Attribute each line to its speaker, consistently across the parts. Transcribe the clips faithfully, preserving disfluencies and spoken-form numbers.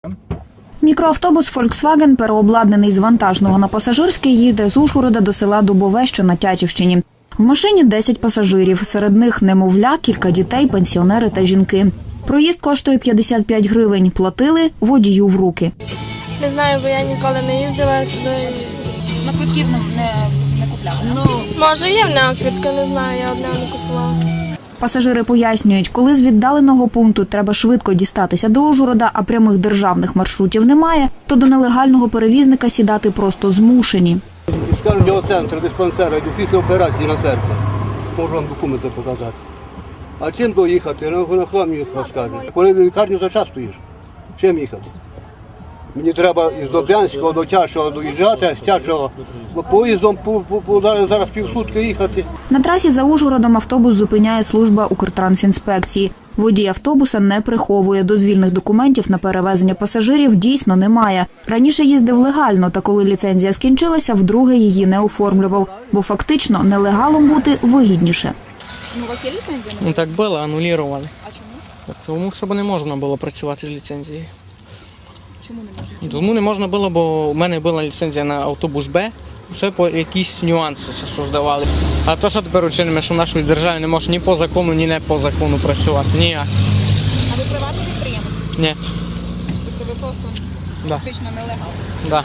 Speaker 1: Мікроавтобус Volkswagen, переобладнаний з вантажного на пасажирський, їде з Ужгорода до села Дубове, що на Тячівщині. В машині десять пасажирів, серед них немовля, кілька дітей, пенсіонери та жінки. Проїзд коштує п'ятдесят п'ять гривень, платили водію в руки.
Speaker 2: Не знаю, бо я ніколи не їздила сюди.
Speaker 3: На квитків не, не, не купляли?
Speaker 2: Ну, може є в нього квитки, не знаю, я одного не купувала.
Speaker 1: Пасажири пояснюють, коли з віддаленого пункту треба швидко дістатися до Ужгорода, а прямих державних маршрутів немає, то до нелегального перевізника сідати просто змушені.
Speaker 4: Скажуть, до центру диспансера, йду після операції на серце. Можу вам документи показати. А чим доїхати? На хламі розкажуть. Коли в лікарню за час стоїш, чим їхати? Мені треба із Доб'янського до Тячого доїжджати, з Тячого поїздом по, по, по, зараз півсутки їхати.
Speaker 1: На трасі за Ужгородом автобус зупиняє служба Укртрансінспекції. Водій автобуса не приховує. Дозвільних документів на перевезення пасажирів дійсно немає. Раніше їздив легально, та коли ліцензія скінчилася, вдруге її не оформлював. Бо фактично нелегалом бути вигідніше.
Speaker 3: Ну, у вас є ліцензія?
Speaker 5: Ну так було, анулювали.
Speaker 3: А чому?
Speaker 5: Тому що не можна було працювати з ліцензією.
Speaker 3: Чому не можна?
Speaker 5: Тому не можна було, бо у мене була ліцензія на автобус Б, все по якісь нюанси создавали. А то, що тепер учинимо, що в нашій державі не може ні по закону, ні не по закону працювати. Ніяк.
Speaker 3: А ви приватний підприємець?
Speaker 5: Ні.
Speaker 3: Тобто ви просто
Speaker 5: Да.
Speaker 3: фактично нелегал?
Speaker 5: Да.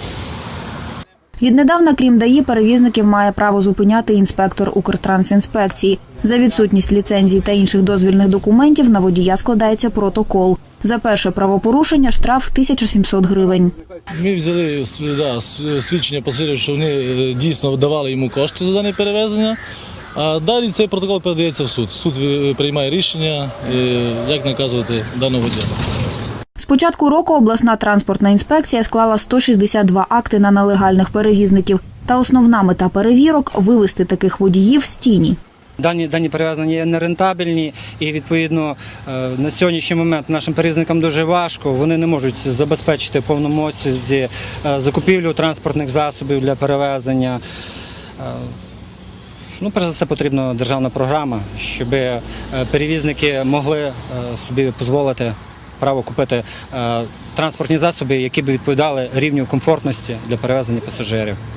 Speaker 1: Віднедавна, крім ДАІ, перевізників має право зупиняти інспектор Укртрансінспекції. За відсутність ліцензій та інших дозвільних документів на водія складається протокол. За перше правопорушення штраф тисяча сімсот гривень.
Speaker 6: Ми взяли да, свідчення пасажирів, що вони дійсно давали йому кошти за дане перевезення, а далі цей протокол передається в суд. Суд приймає рішення, як наказувати даного водія.
Speaker 1: З початку року обласна транспортна інспекція склала сто шістдесят два акти на нелегальних перевізників. Та основна мета перевірок – вивести таких водіїв з тіні.
Speaker 7: Дані, дані перевезення є нерентабельні і, відповідно, на сьогоднішній момент нашим перевізникам дуже важко. Вони не можуть забезпечити в повному обсязі закупівлю транспортних засобів для перевезення. Ну, перш за все, потрібна державна програма, щоб перевізники могли собі дозволити право купити транспортні засоби, які б відповідали рівню комфортності для перевезення пасажирів.